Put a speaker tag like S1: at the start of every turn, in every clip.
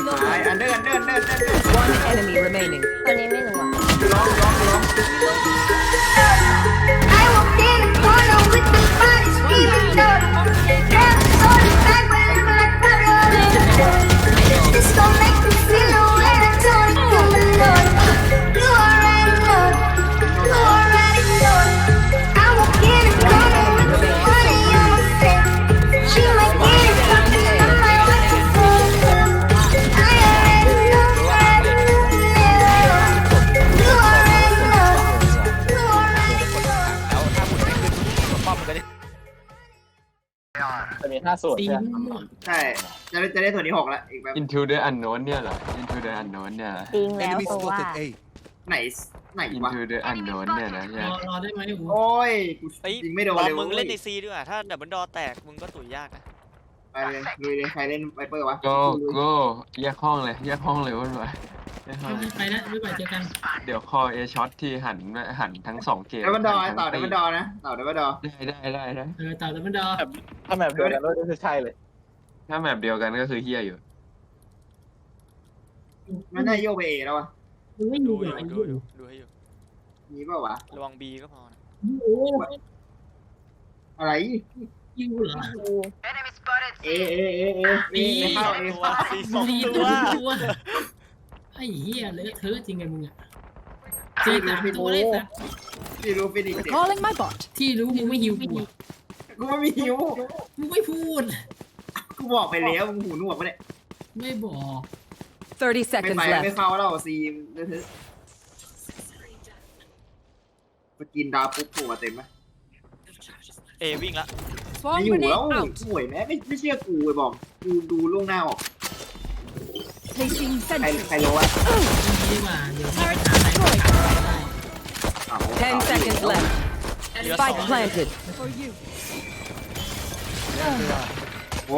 S1: ตายอันเดิน
S2: One enemy remaining.
S3: ตัวนี้ไม่รู้อ่ะ
S1: ร้อง
S4: I walked in the corner with the body screaming dirty. Damn, so the back wherever I put it. This gon' make me feel the way I told it to the Lord. You already know it. You already know it. I walk in the corner with the money on my face. She might get it fucking, I might watch it for her. I already know, already know, you already know. You already know.
S5: แล้วถ้าคุณไม่ขึ้นป้อมมันก็จะ
S6: จะมี5 ส่วน
S7: ตี
S6: ใช่ไหม
S7: มั่ว
S1: ใช่จะได้ส่วนที่6แล้วอีกแบบ
S8: Into the Unknown เนี่ยเหรอ Into the Unknown เนี่ยเหรอ
S3: จริงแล้วตัวว่า
S1: ไหนวะ
S8: Into the Unknown เนี่ยนะ
S7: รอได้ไหมกู
S1: โอ้ยกู
S5: เฮ้ย
S1: ยิงไม่โดน
S5: บอ
S1: เล
S5: ล
S1: ย
S5: มึงเล่นในซีด้วยถ้าดับเบิลดอแตกมึงก็ตุ๋ยยากนะ
S1: ไปเลยลุยเลยใครเล่นไวเปอร์วะ
S8: Go แยกห้องเลยว่าหน่อยแยกห้อง
S7: ไปแล้วไม่ไปเจอกัน
S8: เดี๋ยวคอเอช็อตที่หันทั้ง2 เกม
S1: ดับเบิลดอต่อดับเบิลดอนะต่อดับเบิลดอ
S8: ได้
S7: เต่าดับเบิลดอ
S6: ถ้าแมปเดียวกันก็คือใช่เลย
S8: ถ้าแมปเดียวกันก็คือเฮียอยู่
S1: มันได้โยกไปเอแล้ววะ
S7: มึงไม่
S5: ดู
S7: อยู่
S5: อ
S7: เหร
S5: ยู่
S7: อ
S5: ดูให้อยู่
S1: มีเปล่าวะ
S5: ระวังบีก็พอนะ
S7: โอ้
S1: อะไร
S7: ยิงเหรอ
S1: เอไม่เข้าเอ
S5: ตัวซีสอง
S7: ดี
S5: ตั
S7: ตัว ไอ้เหี้ยเลอะเทอะจริงไงมึงอ่ะตี3 ตัวเลยสัตว์
S1: ที่รู้ฟินิกเด็ก
S2: Calling my bot.
S7: ที่รู้มึงไม่หิวกู
S1: กูไม่มีหิว
S7: มึงไม่พูด
S1: กูบอกไปแล้วมึงหูหนวกปะเนี่ย
S7: ไม่บอก
S2: 30
S1: ไม่
S2: seconds
S1: ไปไม่
S2: left.
S1: เข้าแล้วซีมเถอะสกินดาวปุ๊บหัวเต็มไหม
S5: เอวิ่งละ
S2: Swarm
S1: ไม่อยู่
S2: grenade
S1: แล้ว
S2: out.
S1: ห่วยแม่ไม่เชื่อกูไอ้บอกกูดูล่วงหน้าออก
S2: Placing
S1: ใคร
S2: sentry.
S1: รู้วะ
S7: ดีกว่าเดี๋ยว
S2: Turret
S7: หาอะไร
S2: destroyed. 10 seconds left.
S5: เหลือ
S2: Spike
S5: 2
S2: planted. For you.
S1: โอ้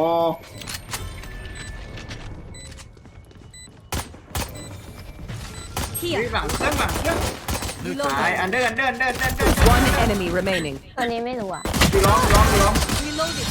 S2: Here.
S1: หลังเครื่องตาย
S2: Reloading.
S1: อันเดิน
S2: One enemy remaining.
S3: ตัวนี้ไม่รู้อ่ะ
S1: ดูร้อง
S2: Reloading.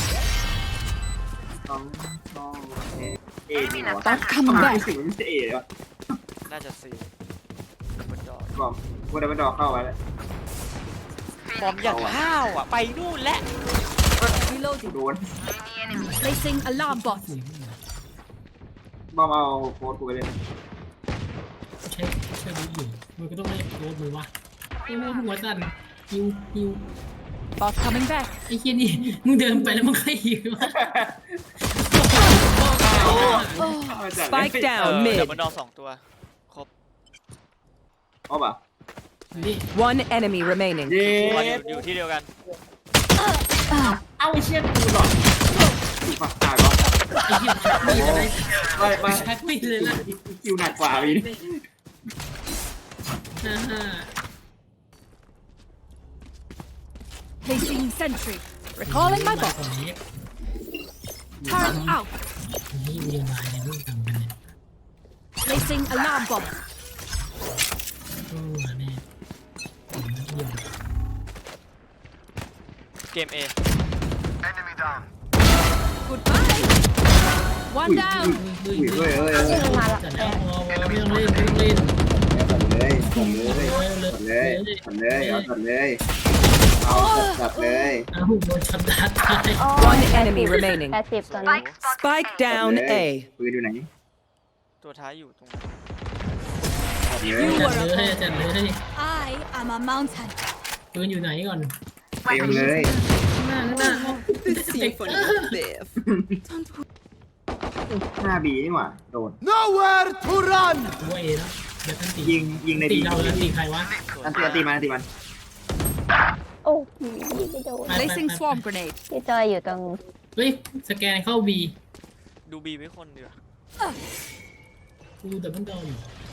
S1: เอนี่เหรอ
S2: Bot come
S1: ทำไม
S2: back.
S1: ถึงไม่ใช่เอเลยวะ
S5: น่าจะซีดับเบิลดอ
S1: บอกกูได้มาดอกเข้าไปแล้ว
S5: ฟอร์มอย่างห้าวอ่ะ ไปนู่นและ
S2: Reloading.
S1: โดน
S2: Placing alarm bot.
S1: บอมเอาโค้ดกูไปเลย
S7: ใช่รู้อยู่มึงก็ต้องเล่นโดนมือวะไอ้โม่หัวสั่นฮิว
S2: Bot coming back.
S7: ไอ้เหี้ยนี่มึงเดินไปแล้วมึงก็หิว
S2: Spike
S5: ดั
S2: down
S5: บ
S2: mid.
S5: เบิลดอ2 ตัวครบ
S1: อ๋อป่ะ
S7: นี่
S2: One enemy remaining.
S1: เย้
S5: ตัวอยู่ที่เดียวกัน
S1: เอาไอ้เชี่ยกูหลอดฝักตายก่อน
S7: ไอ้เหี้ยมีอะไร
S1: ไป
S7: แพ็คไม่เลยล่ะ
S1: คิวหนักกว่าพี่
S7: ฮ่า
S2: Placing sentry. Recalling my
S7: บอ
S2: bot.
S7: กนี้
S2: Turn out.
S7: นี่เรียนมาเนี่ยมึงทำกันเนี่ย
S2: Placing alarm bot.
S7: โอ้แน่ผมไม่เที่ยว
S5: เกม A
S2: Goodbye. One down.
S7: เฮ้ย
S1: เฮ้ย
S3: ชื่อมันมาละ
S7: จัดแล้วไม่ต้องเล่นไม่ต้องเล่น
S1: จัดเลยเอาจัดเลย
S7: อ้าวโดนชัดดาตาย
S2: One enemy remaining.
S3: 80ตัวนี้
S2: Spike down A.
S1: ปืนอยู่ไหน
S5: ตัวท้ายอยู่ตรง
S1: จัดเลย
S7: จัดเลย
S2: I am a mountain.
S7: ปืนอยู่ไหนก่อน
S1: เต็มเลย
S7: ข้างหน้า
S2: The symphony of death.
S1: หน้าบีนี่หว่าโดน
S9: Nowhere to run!
S7: ตัวเอแล้วเดี๋ยวท่านตี
S1: ยิงใน
S7: ตี
S1: บี
S7: เราแล้วตีใครวะ
S1: อันตีมัน
S3: โอ้ยิงไม่โดน
S2: Placing swarm grenade.
S3: พี่จอยอยู่ตรง
S7: เฮ้ยสแกนเข้าบี
S5: ดูบีไม่คนเดียว
S7: กูแต่มันโดน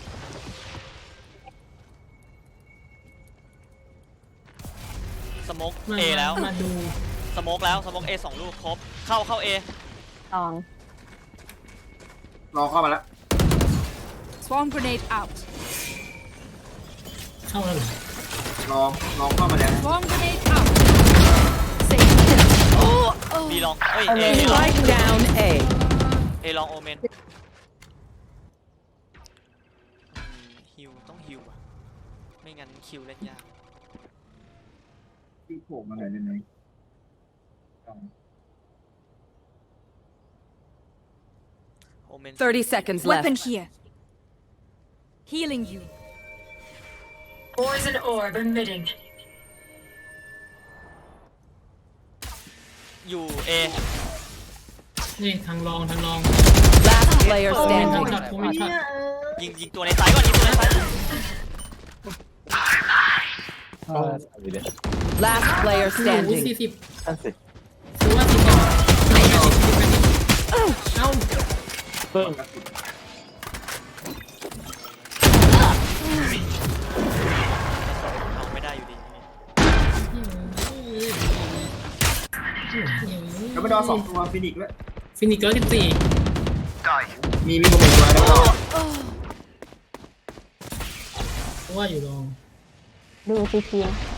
S5: สโมก A แล้ว
S7: มาดู
S5: สโมกแล้วสโมก A 2 ลูกครบเข้า A
S3: ตอง
S1: รอเข้ามาแล้ว
S2: Swarm grenade out.
S7: เข้าแล้วเหรอ
S1: ลองเข้ามาแล้ว
S2: Swarm grenade out. Safe.
S5: B ลองเอ้ย A ลอง
S2: Spike down A.
S5: A ลองโอเมนคิวเล่นยาก
S1: ที่โผล่มาหน่อยได้ไหม
S5: โอเมน
S2: 30 seconds left.
S9: Weapon here.
S2: Healing you.
S9: Poison orb emitting.
S5: อยู่เอ
S7: นี่ทางรอง
S2: Last player
S7: ทาง
S2: standing.
S7: ช็อตผมมีช็อต
S5: ยิงตัวในซ้ายก่อนยิงตัวในซ้าย
S2: Last player
S7: โอ้โห
S2: standing.
S7: 40
S6: นั่นสิ
S7: ถือว่า40ต่อเอ้า
S6: เพิ่ม
S5: เอาไม่ได้อยู่ดี
S1: แล้วมาดอสองตัวฟินิกด้วย
S7: ฟินิก114
S1: มีโมเมนต์มาแล้วก็
S7: เพราะว่าอยู่รอง
S3: ดูซีที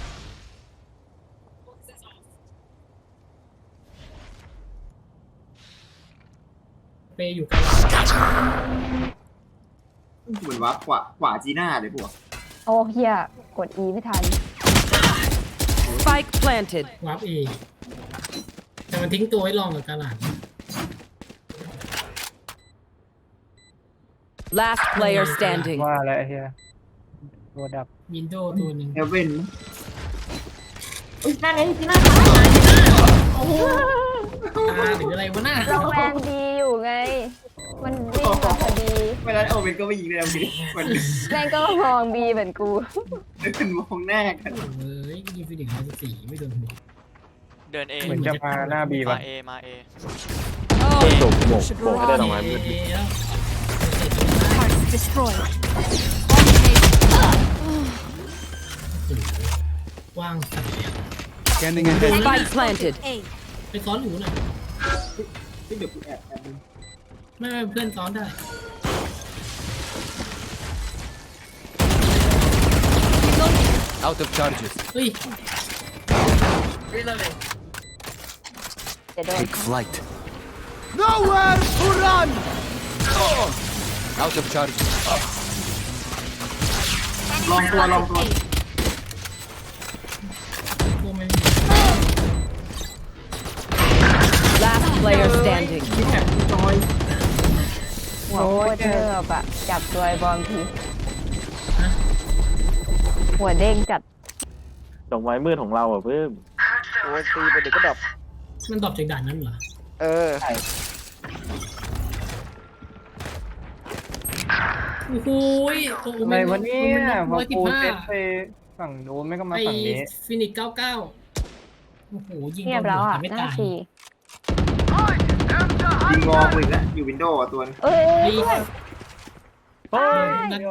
S7: เปย์อยู่กัน
S1: เหมือนว่าขวาจีน่าเลยพวก
S3: โอ้เฮียกด E ไม่ทัน
S2: Spike planted.
S7: วาร์ปเอแต่มันทิ้งตัวไว้รองกับกาลาด
S2: Last player standing.
S6: ว่าอะไรเฮียตัวดับ
S7: วินโดว์ตัวหนึ่ง
S1: เอเว่น
S7: ตาหรืออะไรวะน่า
S3: เราแมนดีอยู่ไง มันวิ่งมาพอดี
S1: เวลาโอเว่นก็ไม่ยิงเลยพี่มัน
S3: แม่งก็มองบีเหมือนกู
S1: เป็นมองหน้ากัน
S7: เอ้ยยิงฟินิก114ไม่โดนหัว
S5: เดินเอ
S6: เหมือนจะมาหน้าบีป่ะ
S5: มาเอ
S6: จบโบกให้ได้ดอกไม้มืด
S7: แล้ว
S9: Target destroyed.
S7: ว่างสัตว์
S2: Spike planted.
S9: A.
S7: ไปซ้อนอยู่น่ะ
S1: ที่เดี๋ยวกูแอบดู
S7: ไม่เพื่อนซ้อนได้
S10: Out of charges.
S7: เฮ้ย
S3: จะโดน
S10: Take flight. Nowhere to run. Out of charges.
S1: ลองตัว
S7: โมเมน
S2: Last player standing.
S1: ที่แอบจอย
S3: หัวโคตรเทิบอะจับตัวไอ้บอมทีหัวเด้งจัด
S6: ดอกไม้มืดของเราอ่ะเพิ่ม
S5: โอ้ยตีไปเดี๋ยวก็ดับ
S7: มันตอบจากด่านนั้นเหรอ
S5: เออ
S7: โอ้โหยโอ้โห
S6: อะไรวะเนี่ยพอกูเซต
S7: 115
S6: ไปฝั่งนู้นไม่ก็มา
S7: ไอ
S6: ฝั่งนี้
S7: ฟินิก99โอ้โหยิง
S3: เงียบ
S7: โดน
S3: แล้ว
S7: หัว
S3: อ่ะ
S7: แต่ไม่
S3: หน้า
S7: ตาย
S3: ที
S1: ยิงมองอีกแล้วอยู่วินโดว์ตัวนึง
S3: เอ้ย
S7: ไอ้
S6: เฮ้ย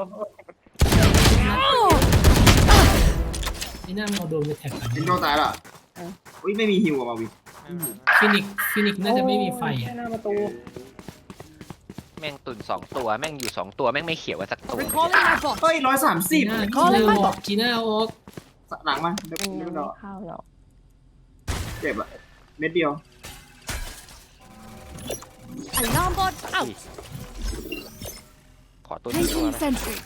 S7: นี่น่ามันเอาโดนไปแท็กกัน
S1: วินโดว์ตายละอุ้ยไม่มีฮิวมาวิน
S7: ฟินิกน่าจะไม่มีไฟอ่ะ
S6: หน้าประตู
S11: แม่งตุ่น2 ตัวแม่งอยู่2 ตัวแม่งไม่เขียวว่าสักตัว
S2: Recalling my bot.
S1: เฮ้ย130
S7: จีน่าออกจีน่าออก
S1: หลังมาเดี๋ยว
S3: มันยัง
S1: ด
S3: ไม่
S1: อก
S3: เข้าหรอก
S1: เจ็บอะเม็ดเดียว
S2: Alarm bot out.
S11: ขอตัวนี้ตัว
S9: Placing
S11: นะ
S9: sentry.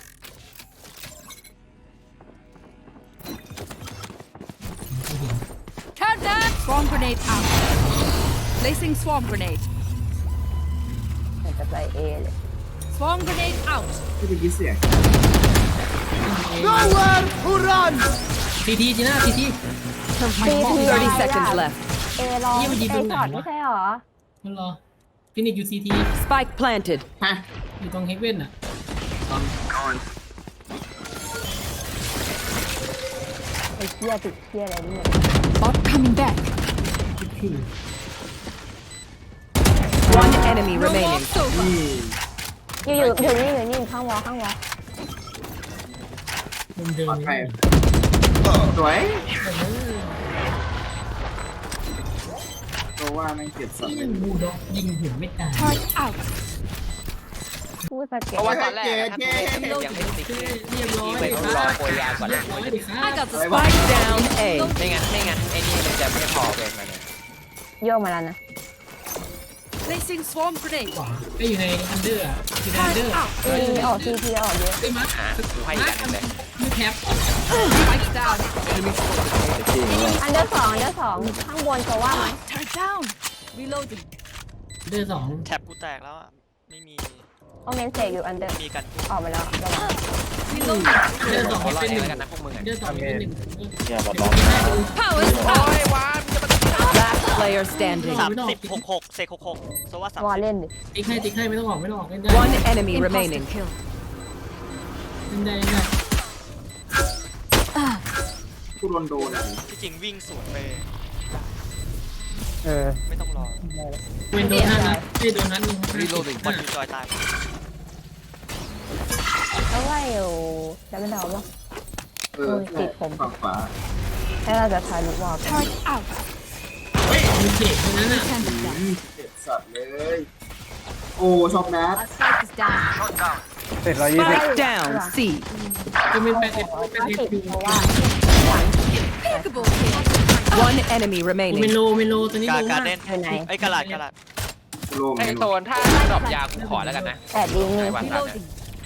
S2: Turn that. Swarm grenade out. Placing swarm grenade.
S3: มันจะไปเอเลย
S2: Swarm grenade out.
S1: ไม่ได้ยินเสียง
S10: Nowhere to run.
S7: ทีทีจีน่าทีที
S2: 30 seconds left.
S3: เอลอง
S7: เยี่ยมยิง
S3: เอ
S7: ตรงไหน
S3: ช็อต
S7: วะ
S3: ไม่ใช่หรอ
S7: มันรอฟินิกอยู่ซีที
S2: Spike planted.
S1: ฮะ
S7: อยู่ตรงเฮกเว่นอ่ะ
S3: ไอ้เชี่ยติดเชี่ยอะไรเนี่ย
S9: Bot coming back.
S2: One enemy remaining.
S1: นี่
S3: อยู่นี่ข้างวอข้างวอ
S7: มุมเดิม
S1: ปลอดภัยสวยตัวว่าไม่เก็บสัตว์เลย
S7: บูด็อกยิงหัวไม่ตาย
S9: Target out.
S3: พูดสเก็
S11: เพ
S3: ต
S11: ราะว่าตอนแรกอะถ้ากูยังไม่ติ๊ก
S7: เรียบร้อย
S11: ไปต้องรอโปรยาก่อนเลย
S7: ร้อยดิครั
S2: I
S7: บ
S2: got the spike down A.
S11: ไม่งั้นไอ้นี่มันจะไม่พอเกินมาเนี่ย
S3: โยกมาแล้วนะ
S2: Placing swarm grenade.
S7: ขวาก็อยู่ในอันเดอร์อยู่ในอันเดอร์
S3: มีออกทีออกเยอะ
S7: ไอ้มาร์ค
S11: กูให้อีกอันหนึ่งเลย
S7: ไม่แคป
S2: Spike down.
S6: จะจริงเหรอ
S3: อันเดอร์สองข้างบนจะว่าไหม
S2: Turn down. Reloading.
S7: เดอร์สอง
S5: แท็บกูแตกแล้วอ่ะ ไม่มี
S3: โอเมนเสกอยู่อันเดอร์
S5: มีกัน
S3: ออกไปแล้วระวัง
S2: Reloading.
S7: เดอร์สอง
S11: ขอรอ
S7: เป็น
S11: เอ
S7: ห
S11: ง
S7: นึ่ง
S11: แล้วกันนะพวกมึงอ่ะ
S7: เดอร์สองเป็นหนึ่ง
S6: เนี่ยบอลล็อก
S2: Powers
S11: โอ้
S2: out.
S11: ยวานจะมา
S2: Last player standing.
S5: 30 66เซก66โซว่า
S3: วอลเล่นดิ
S7: ติ๊กให้ไม่ต้องออกเล่นได้
S2: One enemy remaining. Kill.
S7: เล่นได้
S1: กูโดนโดนอ่ะ
S5: ที่จริงวิ่งสวนไป
S6: เออ
S5: ไม่ต้องรอ
S7: เวนโดนนัดไม่โดนนัดนึง
S10: Reloading.
S5: บอลยูจอยตาย
S3: แล้วว่าอยู่จะไม่เดาป่ะ ติดผม
S1: ฝั่งขวา
S3: ให้เราจะทายลูกวอล
S2: Turret out.
S7: มีเขตตรงนั้นน่ะ
S1: เจ็บสัตว์เลย โอ้ช็อกแมส
S2: Our spike is down.
S6: เสร็จ120
S2: Spike down. C.
S7: จะเป็นแปด
S3: ว่า
S7: เป็น
S3: ติด
S7: อยู่
S3: เพราะว่า
S2: Impeccable kill. One enemy
S7: เม
S2: remaining.
S7: โลตัวนี้
S5: กา
S7: โล
S5: การ
S7: มาก
S5: เล่น
S3: อยู่ไหน
S5: ไอ้กระลาด
S1: กูโล่ง
S11: ไอ
S1: ไม่
S11: โซ
S1: โล่ง
S11: นถ้าดรอปยากูขอแล้วกันนะ
S3: แต่ดีมี
S11: ไอ้วันนั้นเนี่ย
S2: Reloading.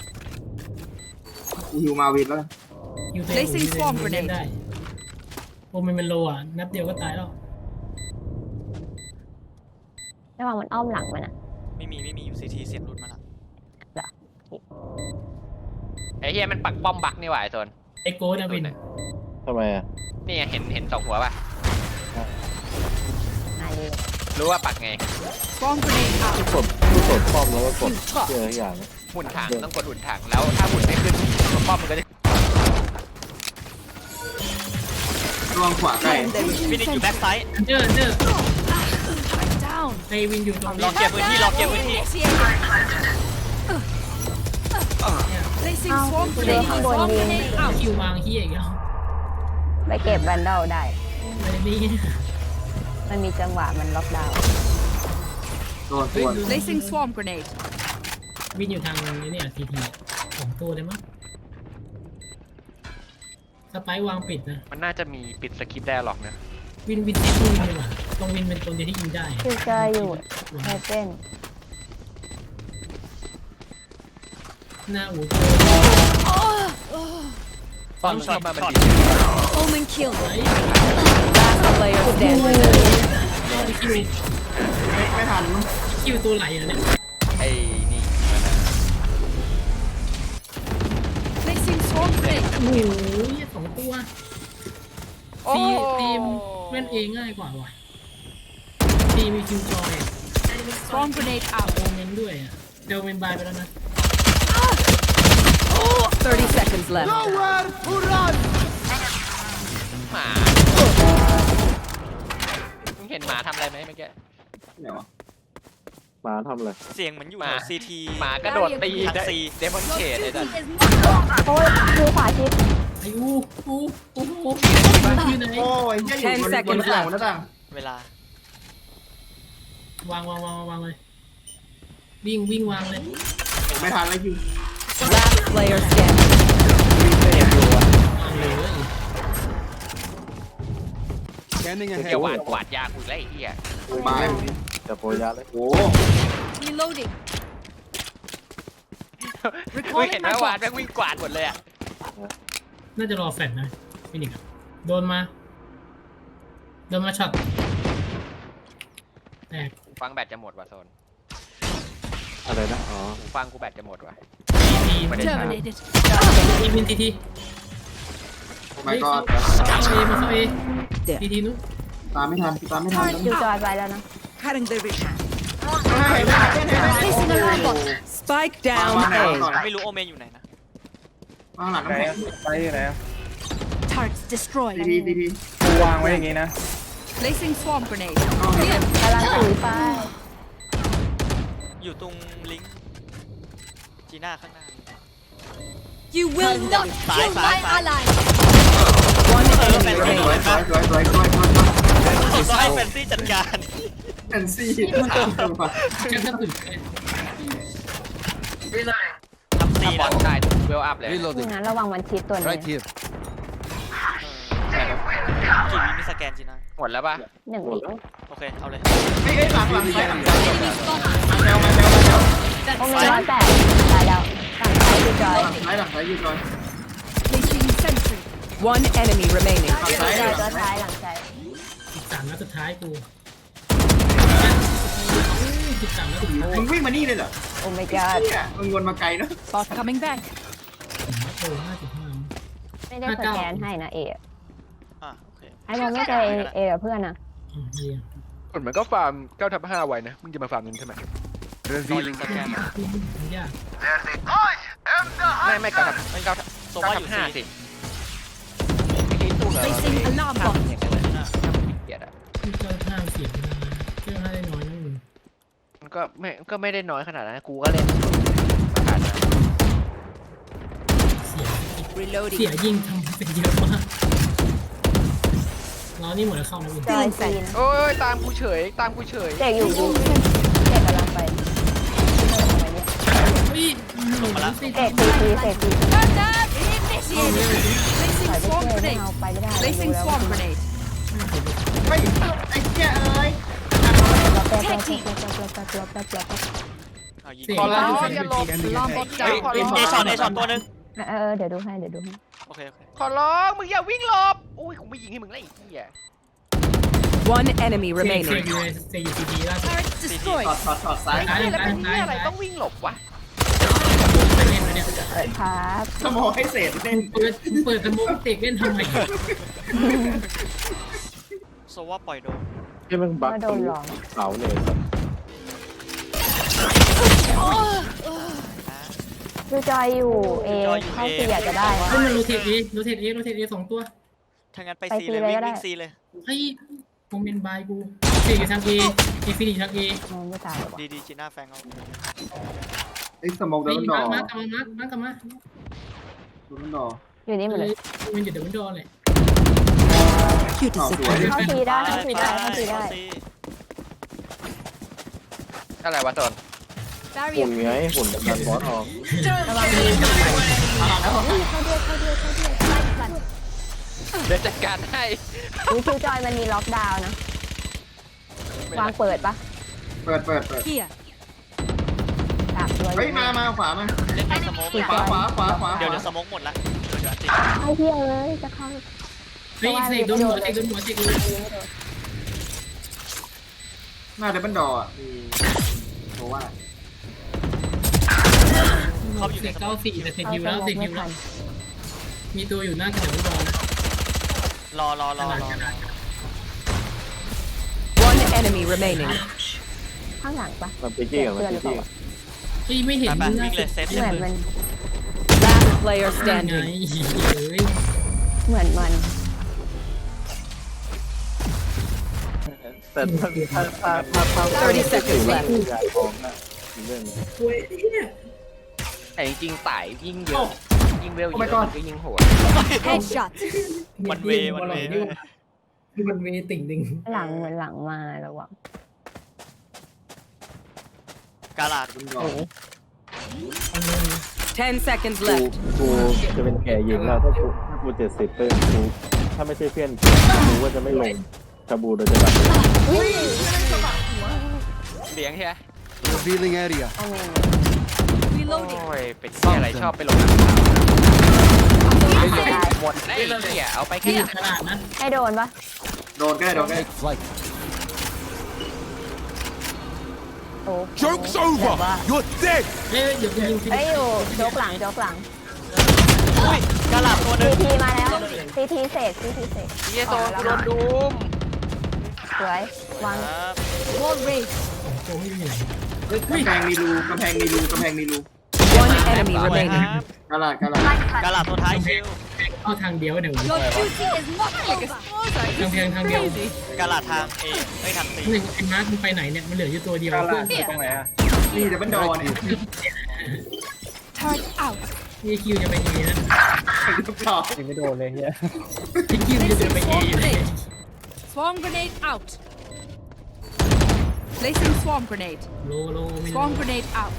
S1: กูฮิวมาวินแล้วกัน
S7: อยู่เล่นได้โอเมนโลอ่ะนัดเดียวก็ตายแล้ว
S3: ระหว่างมันอ้อมหลังมันอ่ะ
S5: ไม่มีอยู่ซีทีเสียงหลุดมาแล้ว
S11: ไอ้เฮียมันปักป้อมบักนี่หว่าไอโซน
S7: ไอโก้ดาวิน
S6: ทำไมอ่ะ
S11: นี่ไงเห็นสองหัวป่ะ
S3: นายเลย
S11: รู้ว่าปักไง
S2: Swarm grenade out.
S6: กดป้อมแล้วก็กดเจออย่าง
S11: หุ่นถังต้องกดหุ่นถังแล้วถ้าหุ่นไม่ขึ้นป้อมมันก็จะ
S1: ระวังขวาใกล้
S5: วินอยู่แบ็คไซด์
S7: เดอร์
S2: Turret down.
S7: ไอวินอยู่ตรง
S5: รอ
S7: นี้
S5: เก็บพื้นที่
S2: Placing
S3: เอา
S2: swarm
S3: เดิน
S2: grenade.
S3: ข้างบน
S2: Swarm
S3: ยิง
S2: grenade out.
S7: คิววางเฮียอีกแล้ว
S3: ไปเก็บแวนดอลได้
S7: ไอ้นี่
S3: มันมีจังหวะมันล็อกดาวน์
S1: โดนตัว
S2: Placing swarm grenade.
S7: วินอยู่ทางนี้เนี่ยทีทีของตัวได้มั้งสไปวางปิดนะ
S11: มันน่าจะมีปิดสคริปต์ได้หรอกนะ
S7: วินเซฟวินดีกว่าตรงวินเป็นตัวเดียวที่ยิงได้
S3: คิวเจออยู่เฮเต้น
S7: หน้าอู
S11: ตอนเข้ามามันดี
S2: Omen kill.
S7: ไอ้
S2: Last player standing.
S7: คิว
S1: ไม่ทันมั้ง
S7: คิวตัวไหลอ่ะเนี่ย
S11: ไอ้นี่มันอะ
S2: Placing swarm grenade.
S7: โอ้โหสองตัวทีมเล่นเองง่ายกว่าว่ะทีมีคิวจอย
S2: Swarm grenade out.
S7: โอเมนด้วยอ่ะเดลเมนบายไปแล้วนะ
S2: 30 seconds left.
S10: Nowhere to run!
S11: หมามึงเห็นหมาทำอะไรไหมเมื่อกี้
S1: ไหนวะ
S6: หมาทำอะไร
S5: เสียงเหมือนอยู่
S11: มา
S5: ซีที
S11: หมากระโดดตี
S5: ทางซี
S11: เดมอนเชดเลยนะ
S3: โอ้ยคิวขวาชิด
S7: ไอ้อู้อยู่ไหน
S1: โอ้ยเหี้ยอยู่บนหน้าต่างบนหน้าต่าง
S5: เวลาว
S7: างเลยวิ่งวางเลย
S1: ผมไม่ทันแล้วคิว
S2: Last player standing.
S7: วางเลย
S10: Scanning
S11: เกี่ยว
S10: ahead.
S11: กวาดยาคุยแล้วไอ้เหี้ย
S1: ไม้
S6: จะโปรยาเลย
S1: โอ้
S2: Reloading.
S11: มึงเห็นไหมวาดแม่งวิ่งกวาดหมดเลยอ่ะ
S7: น่าจะรอแฟลชนะฟินิกโดนมาช็อตแตก
S11: หูฟังแบตจะหมดว่ะโซน
S6: อะไรนะอ๋อ
S11: หูฟังกูแบตจะหมดว่ะ
S7: ที
S11: ไม่ได้
S2: Terminated.
S7: วินที
S1: ไม่ก็
S7: เข้าเอทีนู้น
S1: ตามไม่ทันตามไม่ทัน
S3: คิวจอยไปแล้วนะ
S2: Cutting the vision.
S1: ไม่ได้
S2: Placing a robot. Spike down
S1: มาหา
S2: A.
S1: ก่อน
S5: ไม่รู้โอเมนอยู่ไหนนะ
S1: มาหลัง
S6: ไหน
S1: น้ำแข็ง
S6: ไปไหน
S2: Targets destroyed.
S1: ดี
S6: กูวางไว้อย่างงี้นะ
S2: Placing swarm grenade.
S3: กำลังถือไป
S5: อยู่ตรงลิงก์จีน่าข้างหน้า
S2: You will not kill my ally. One
S1: ส
S2: enemy
S1: วย
S2: remaining.
S1: สวยสวย
S5: ต้องให้แฟนซี่จัดการ
S1: แอนซี่
S7: แค่ถ้าถึง
S5: ทำซี
S11: ถ้าบอ
S5: แล้ว
S11: ลได้เวลอัพเลย
S3: นี่
S10: Reloading.
S3: นะระวังมันชิดตัวนี้
S10: Right here.
S5: กี่วิมีสแกนจีน่า
S11: หมดแล้วป่ะ
S3: 1 วิ
S5: โอเคเอาเลย
S1: ไอ้หลังซ้ายหลังซ้าย
S2: Enemy spotted.
S1: แมว
S3: โอ้มี108ตายแล้วฝั่งซ้ายคือจอย
S1: หลังซ้ายอยู่จอย
S2: Placing sentry.
S11: One enemy remaining.
S1: หลังซ้าย
S3: จอยตัวท้ายหลังซ้าย
S7: 13นัดสุดท้ายกู13นัดสุดท้าย
S1: มึงวิ่งมานี่เลยเหรอ
S3: โอ้ my god
S1: เนี่ยมึงวนมาไกลเนาะ
S2: Bot coming back.
S7: โอ้55
S3: ไม่ได้สแกนให้นะเอ
S5: อ่ะโอเค
S3: ไอ้บอลไม่เจอเอกับเพื่อนนะ
S7: เฮีย
S11: คนเหมือนก็ฟาร์ม9/5ไว้นะ มึงจะมาฟาร์มเงินใช่ไหม
S8: revealing
S5: สแกน
S7: มันยาก
S11: ไม่9/5
S5: โซว่าอยู่ซี
S11: สิไอ้ตู้เหรอ
S2: Placing alarm bot.
S11: อย่างเงี้ยเลยเกลียดอ่ะ
S7: เจ้าท่าเสียบนะเจ้าท่าได้น้อยนะมึง
S11: มันก็ไม่ได้น้อยขนาดนั้นกูก็เล่นประกาศนะ
S7: เสีย
S2: Reloading.
S7: เสียยิงทำเป็นเยอะมากเรานี่หมดแล้วเข้านะวิน
S3: จอยซีน
S11: โอ้ยตามกูเฉย
S3: เด็กอยู่ดีเด็กกำลังไป
S7: เฮ้ยลงมาแล้ว
S3: เด็กซีเด็กซี
S2: Turn up. Initiated.
S3: ถอย
S2: Placing
S3: ไป
S2: swarm
S3: ช่วยไม่
S2: grenade.
S3: เอาไปไม่ได้
S2: Placing swarm grenade.
S1: ไม่ไอ้เจ้าเอ้ย
S3: แป๊บ
S5: เอายิง
S11: ขอร้อง
S7: อย่าลบ
S2: Alarm bot
S5: เฮ้ย
S2: down.
S5: เอช็อตตัวหนึง
S3: เดี๋ยวดูให้
S5: โอเค
S11: ขอร้องมึงอย่าวิ่งหลบอุ้ยกูไม่ยิงให้มึงเลยไอ้เหี้ย
S2: One enemy
S7: เซยูซีดีล่าสุด
S2: Turret
S1: ถ
S2: destroyed.
S1: อดซ้าย
S11: ไอ้เหี้ยแล้วเป็นเหี้ยอะไรต้องวิ่งหลบวะ
S7: ไปเล่นนะเนี่ย
S3: เปิดครับ
S1: สมองให้เศษเล่น
S7: เปิดตะมุกเตกเล่นทำไม
S5: โซว่าปล่อยโดน
S6: ที่มึงบักตรงเสาเนี่ย
S3: ดูจอยอยู่เอเข้าซีอยากจะได้
S7: ให้มันโรเทตเอ2ตัว
S5: ถ้างั้นไปซีเลยวิ่งซีเลย
S7: เฮ้ยโมเมนต์บายกูเตะทางเอฟินิชทางเอ
S3: มองไม่ตายว่ะ
S5: ดีจีน่าแฟงเอา
S1: ไอ้สมองโด
S7: เฮ้ย
S1: นดอ
S7: มากลับมา
S1: โดนดอ
S3: อยู่นี่หมดเลย
S7: มันอยู่เดี๋ยวมันโดนเลย
S1: สวย
S3: เข้าซีได้
S11: อะไรวะตอน
S6: หุ่น
S2: Barrier.
S6: ไงหุ่นดันบอสออก
S11: เดี๋ยวจัดการให้
S3: วิคิวจอยมันมีล็อกดาวน์นะวางเปิดปะ
S1: เปิด
S2: Here.
S3: ตามตัว
S1: เฮ้ยมาขวามา
S5: เล่นในสโมก
S1: ขวา
S5: เดี๋ยวสโมกหมดละเดี๋ยวอันติ
S3: ไอ้เหี้ยเลยจะเข้า
S7: เฮ้ยเสกโดนหัวเสก
S1: หน้าเดบันดออ่ะเพราะว่า
S5: เขาอยู่
S7: เส
S5: ใน
S7: ก
S5: สโมก
S7: 94แต่เสกฮิวแล้วมีตัวอยู่หน้ากระดาษบอล
S5: รอ
S2: One enemy remaining.
S3: ข้างหลังปะ
S6: มันไปกี้กับมันไปกี้
S7: เฮ้ยไม่เห็น
S5: ไปวิ่งเลยเซฟ
S3: เหมือนมัน
S2: Last player
S7: ไง
S2: standing.
S7: เฮ้ย
S3: เหมือนมัน
S6: แต่ถ้า
S2: 30 seconds left
S6: ยายทองนะเรื่อง
S11: แต่จริงๆต่ายยิ่งเยอะยิ่งเวลเยอะมันก็ยิ่งโหด
S2: Headshot.
S7: มันเวติ่งดึง
S3: หลังเหมือนหลังมาระวัง
S5: กาลาด
S1: บันดอ
S2: 10 seconds
S6: กู
S2: left.
S6: จะเป็นแก่ยิงแล้วถ้ากู70เป็นกูถ้าไม่ใช่เพื่อนกูก็จะไม่ลงชาบูโดยจะแบบ
S11: เลี้ยงใช่ไหม
S10: revealing area
S3: เอาเมน
S11: โอ้ยเป็นเหี้ยอะไรชอบไปลงน้ำหมดได้ไอ้เหี้ยเอาไปแค่
S7: นี่ขนาดนั้น
S3: ให้โดนปะ
S1: โดนก็ได้
S10: take flight
S3: โอ้
S10: joke's over you're dead
S7: เฮ้ยเดี๋ยวกูยิง
S3: เอ้ยอยู่โจกหลัง
S5: อุ้ยกาลาดตัวหนึ
S3: ซี
S5: ง
S3: ทีมาแล้วซีทีเสก
S11: เหี้ยโดนกูโดนดูม
S3: สวยวาง
S2: Wall raised.
S7: โจไม่มีไหน
S1: กำแพงมีรู
S2: One enemy
S5: สวย
S2: remaining.
S1: กาลาด
S5: กาลาดตัวท้ายคิว
S7: เข้าทางเดียวเดี๋ยว
S2: Your duty is not over.
S7: ทางเดียว
S2: Crazy.
S5: กาลาดทางเอไม่ทางซี
S7: หนึ่งไอ้มาร์คมันไปไหนเนี่ยมันเหลืออยู่ตัวเดียวเพื่อน
S11: ตรงไหนอะ
S1: นี่เดบันดอเนี่ย
S2: Turret out.
S7: นี่คิวจะไปเอนะ
S6: ยิงไม่โดนเลยเฮีย
S7: ที่คิวจะไปเอ
S2: Swarm
S7: อยู่
S2: grenade. Swarm grenade out. Placing swarm grenade.
S7: โลไม่
S2: Swarm grenade out.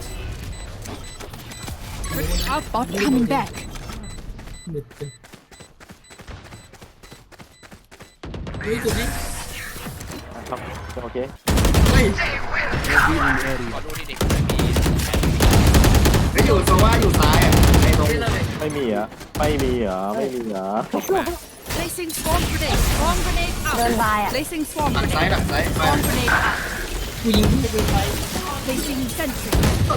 S2: Out bot coming back.
S7: หลุดกันเฮ้ยตัวนี้
S6: ครับโอเค
S1: เฮ้ย
S10: Revealing area.
S11: ขอดูดิเด็กไม่มี
S1: ไม่อยู่โซว่าอยู่ซ้ายอ่ะในตรง
S6: ไม่มีเหรอไม่มีเหรอไม่มีเหรอ
S2: Placing swarm grenade. Swarm grenade
S3: เดิน
S2: out.
S3: บายอ่ะ
S2: Placing swarm
S1: หลังซ้าย
S2: grenade.
S1: หลังซ้ายไป
S2: Swarm grenade out.
S7: กูยิงขึ้นไปไฟ
S2: Placing sentry.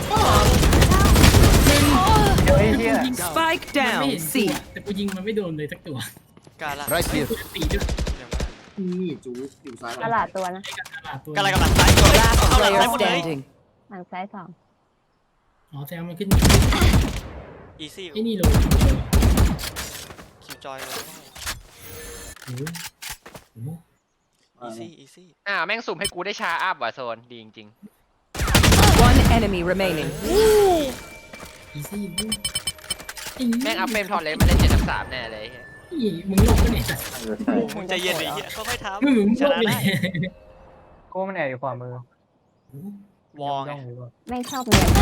S5: เดี๋ยวไอ้เหี้ย
S2: Spike
S7: มันไม่
S2: down.
S7: เห็น
S2: C.
S7: ตัวแต่กูยิงมันไม่โดนเลยสักตัว
S5: การละ
S10: Right here.
S7: ตีด้วย
S1: นี่จูอยู่ซ้าย
S3: ตลาดตัวนะ
S7: ตลาดตัว
S5: กำลังกำลังซ้ายตัว
S2: Last
S5: เอาหลัง
S2: player
S5: ซ้ายหมดเลย
S2: standing.
S3: หลังซ้ายสอง
S7: อ๋อแซมมันขึ้น
S5: อีซี่
S7: ไอ้นี่ลง
S5: คิวจอยเลย
S7: โอ้โหโอ้โห
S5: อีซี่อีซี่
S11: แม่งสุ่มให้กูได้ชาอัพว่ะโซนดีจริง
S2: One enemy remaining.
S7: อีซี่
S11: ๆแม่งเอาเฟรมทอนเลยมาเล่น7-3แน่เลย
S7: มึงลงไปไหน
S6: ใช่
S5: โอ้มึงใจเย็นไอ้เหี้ยค่อยๆท
S7: มึง
S5: ำช
S7: ลง
S5: นะ
S7: ไปไหน
S5: ได้
S8: โก้มันแอบอยู่ขวามือ
S5: วองไง
S3: ไม่ชอบเนียน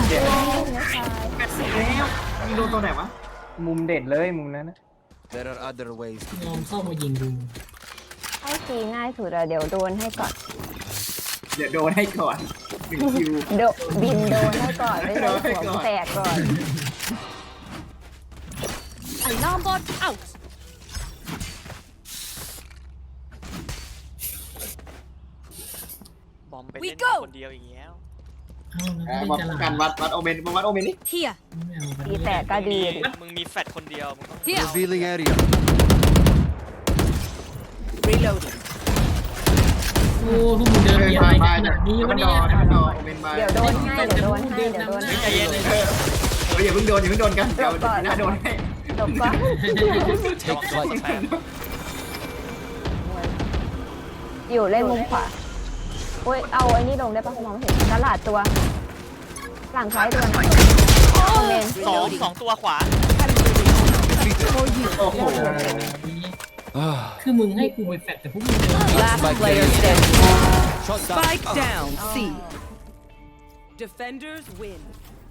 S1: มีโดนตัวไหนวะ
S8: มุมเด็ดเลยมุมนั้นนะ
S10: There are other ways.
S7: ยอมเข้ามายิงดู
S3: ให้ซีง่ายสุดเดี๋ยวโดนให้ก่อน
S1: เดี๋ยวโดนให้ก่อน1คิว
S3: บินโดนให้ก่อนไม่ใช่หัวแตกก่อน
S2: Alarm bot out.
S5: บอมไป
S2: We
S5: เล่น
S2: go
S5: คนเดียวอย่างเงี้ย
S7: เอาแล้ว
S1: วัด
S7: จะ
S1: กันวัดโอเมนวัดโอเมนนี่
S2: Here.
S3: ตีแตกก็ดี
S5: มึงมีแฟดคนเดียวมึงต้อง
S2: Here.
S10: Revealing area.
S2: Reloading.
S7: โอ้พวกมึงเดิน
S1: เดิน
S7: เบีย
S1: ไป
S7: ด
S1: ไป
S7: ขนาดนี้
S1: มั
S7: วะ
S1: นด
S7: เนี่
S1: อย มันดอโอเมนไป
S3: เดี๋ยวโดนให้เดี๋ยวโดนให้เดี๋ยวโดนให้
S5: ใจเย็นเลย
S1: อย่าเพิ่งโดนอย่าเพิ่งโดนกันเดี๋ยวหน้าโดนให้
S3: จบก่อน
S5: ระวังตัวสแปม
S3: อยู่เล่นมุมขวาโอ้ยเอาไอ้นี่ลงได้ปะมองไม่เห็นตลาดตัว หลังซ้ายตัวนะคอมเมนต์
S5: สองตัวขวา
S1: โอ้โห
S7: คือมึงให้กูไปแฟดแต่พวกมึงเดิน
S2: Last player standing.
S10: Shot down.
S2: Spike down. C. Defenders win.